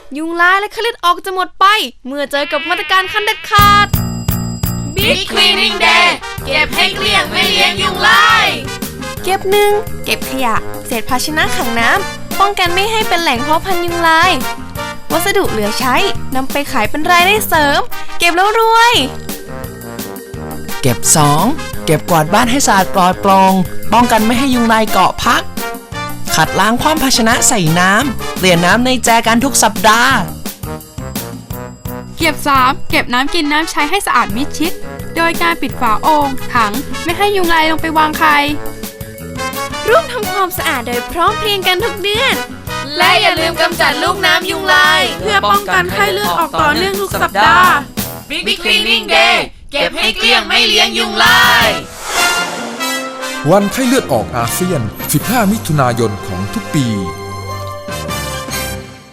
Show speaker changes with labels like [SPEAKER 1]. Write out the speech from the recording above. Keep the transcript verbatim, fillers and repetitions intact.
[SPEAKER 1] ยุงลายและไข้เลือดออกจะหมดไปเมื่อเจอกับมาตรการขั้นเด็ดขาด
[SPEAKER 2] Big Cleaning Day เก็บให้เกลี้ยงไม่เลี้ยงยุงลาย
[SPEAKER 1] เก็บหนึ่งเก็บขยะเศษภาชนะขังน้ำป้องกันไม่ให้เป็นแหล่งเพาะพันธุ์ยุงลายวัสดุเหลือใช้นำไปขายเป็นรายได้เสริมเก็บแล้วรวย
[SPEAKER 3] เก็บสองเก็บกวาดบ้านให้สะอาดปลอดโปร่งป้องกันไม่ให้ยุงลายเกาะพักขัดล้างความภาชนะใส่น้ำเปลี่ยนน้ำในแจกันทุกสัปดาห์
[SPEAKER 4] เก็บสามเก็บน้ำกินน้ำใช้ให้สะอาดมิดชิดโดยการปิดฝาโอ่งถังไม่ให้ยุงลายลงไปวางไข่
[SPEAKER 1] ร่วมทำความสะอาดโดยพร้อมเพรียงกันทุกเดือน
[SPEAKER 2] และอย่าลืมกำจัดลูกน้ำยุงลาย
[SPEAKER 4] เพื่อป้องกันไข้เลือดออกต่อเนื่องทุกสัปดาห์
[SPEAKER 2] Big Cleaning Day เก็บให้เกลี้ยงไม่เลี้ยงยุงลาย
[SPEAKER 5] วันไข้เลือดออกอาเซียนสิบห้ามิถุนายนของทุกปี